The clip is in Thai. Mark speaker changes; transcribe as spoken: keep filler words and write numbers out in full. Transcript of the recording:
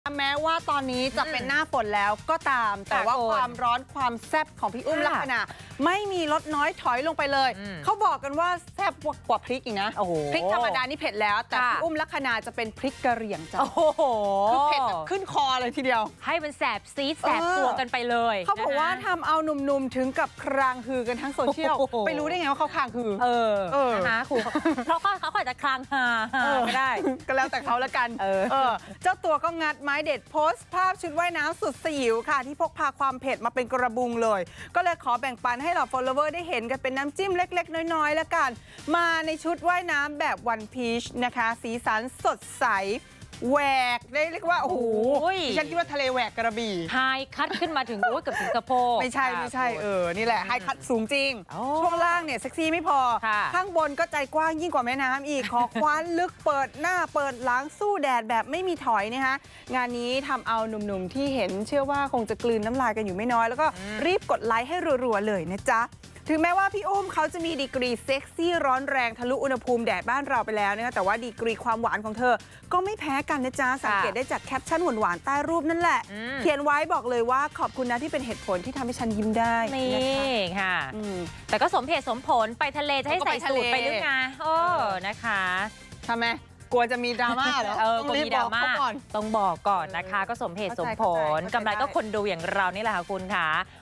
Speaker 1: แม้ว่าตอนนี้จะเป็นหน้าฝนแล้วก็ตามแต่ว่าความร้อนความแซ่บของพี่อุ้มลักษณะไม่มีลดน้อยถอยลงไปเลยเขาบอกกันว่าแซ่บกว่าพริกอีกนะพริกธรรมดานี่เผ็ดแล้วแต่พี่อุ้มลักษณะจะเป็นพริกกะเหรี่ยงจ้ะโอ้โหคือเผ็ดแบบขึ้นคอเลยทีเดียว
Speaker 2: ให้มันแสบซีดแสบตัวกันไปเลย
Speaker 1: เขาบอกว่าทำเอาหนุ่มๆถึงกับครางฮือกันทั้งโซเชียลไปรู้ได้ไงว่าเขาครางฮือ
Speaker 2: เออนะคะครูเพราะเขาเขาอาจจะครางฮาก็ได้
Speaker 1: ก็แล้วแต่เขาละกันเจ้าตัวก็งัดไม้เด็ดโพสต์ภาพชุดว่ายน้ำสุดสยิวค่ะที่พกพาความเผ็ดมาเป็นกระบุงเลยก็เลยขอแบ่งปันให้เหล่า follower ได้เห็นกันเป็นน้ำจิ้มเล็กๆน้อยๆแล้วกันมาในชุดว่ายน้ำแบบวันพีชนะคะสีสันสดใสแหวกได้เรียกว่าโอ้โหฉันคิดว่าทะเลแหวกกระบี่
Speaker 2: ไฮคัทขึ้นมาถึงโอ้ยกับถึงสะโพก
Speaker 1: ไม่ใช่ไม่ใช่เออนี่แหละไฮคัทสูงจริงช่วงล่างเนี่ยเซ็กซี่ไม่พอข้างบนก็ใจกว้างยิ่งกว่าแม่น้ำอีกขอคว้านลึกเปิดหน้าเปิดหลังสู้แดดแบบไม่มีถอยนะคะงานนี้ทำเอาหนุ่มๆที่เห็นเชื่อว่าคงจะกลืนน้ำลายกันอยู่ไม่น้อยแล้วก็รีบกดไลค์ให้รัวๆเลยนะจ๊ะถึงแม้ว่าพี่อุ้มเขาจะมีดีกรีเซ็กซี่ร้อนแรงทะลุอุณหภูมิแดดบ้านเราไปแล้วนะคะแต่ว่าดีกรีความหวานของเธอก็ไม่แพ้กันนะจ๊ะสังเกตได้จากแคปชั่นหวานๆใต้รูปนั่นแหละเขียนไว้บอกเลยว่าขอบคุณนะที่เป็นเหตุผลที่ทำให้ฉันยิ้มได้
Speaker 2: นี่ค่ะแต่ก็สมเหตุสมผลไปทะเลจะให้ใส่สูทไปหรือไงโอ้นะคะ
Speaker 1: ทำไมกลัวจะมีดราม่าเหรอ
Speaker 2: เออกลัวมีดราม่าต้องบอกก่อนนะคะก็สมเหตุสมผลกำไรก็คนดูอย่างเรานี่แหละค่ะคุณค่ะ